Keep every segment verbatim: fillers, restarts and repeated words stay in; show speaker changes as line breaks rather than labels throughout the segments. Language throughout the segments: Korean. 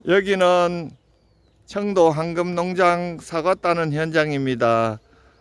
여기는 청도 황금농장 사과 따는 현장입니다.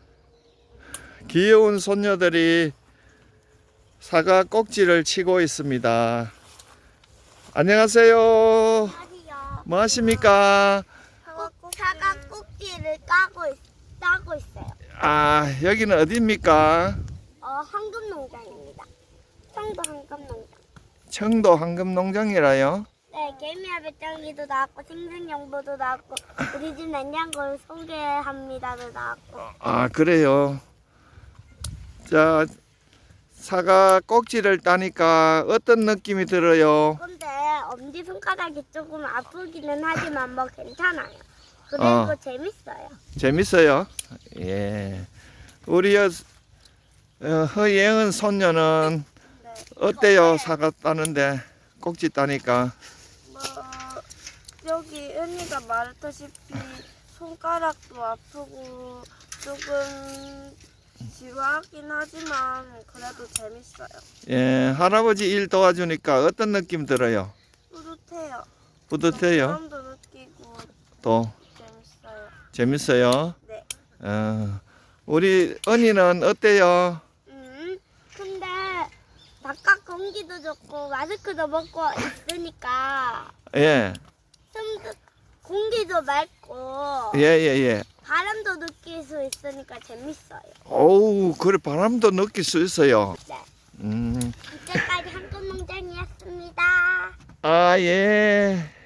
귀여운 손녀들이 사과 꼭지를 치고 있습니다. 안녕하세요.
안녕하세요.
뭐 하십니까?
사과 꼭지를 까고 있, 따고 있어요.
아, 여기는 어디입니까?
어, 황금농장입니다. 청도 황금농장.
청도 황금농장이라요?
네, 개미와 배짱이도 나왔고 생생정보도 나왔고 우리 집 냉장고를 소개합니다도 나왔고.
아, 그래요. 자, 사과 꼭지를 따니까 어떤 느낌이 들어요?
근데 엄지손가락이 조금 아프기는 하지만 뭐 괜찮아요. 그리고
어.
재밌어요.
재밌어요? 예. 우리 어, 어, 허예은 손녀는
네.
어때요? 사과 따는데 꼭지 따니까.
뭐 여기 은희가 말했다시피 손가락도 아프고 조금 지루하긴 하지만 그래도 재밌어요.
예, 할아버지 일 도와주니까 어떤 느낌 들어요?
뿌듯해요.
뿌듯해요?
보람도 느끼고
또
재밌어요.
재밌어요?
네.
어, 우리 은희는 어때요?
음, 근데 바깥 공기도 좋고 마스크도 벗고 있으니까
예,
숨도 공기도 맑고
예, 예, 예.
바람도 느낄 수 있으니까 재밌어요.
오우, 그래 바람도 느낄 수 있어요.
네.
음,
이때까지 한국농장이었습니다.
아, 예.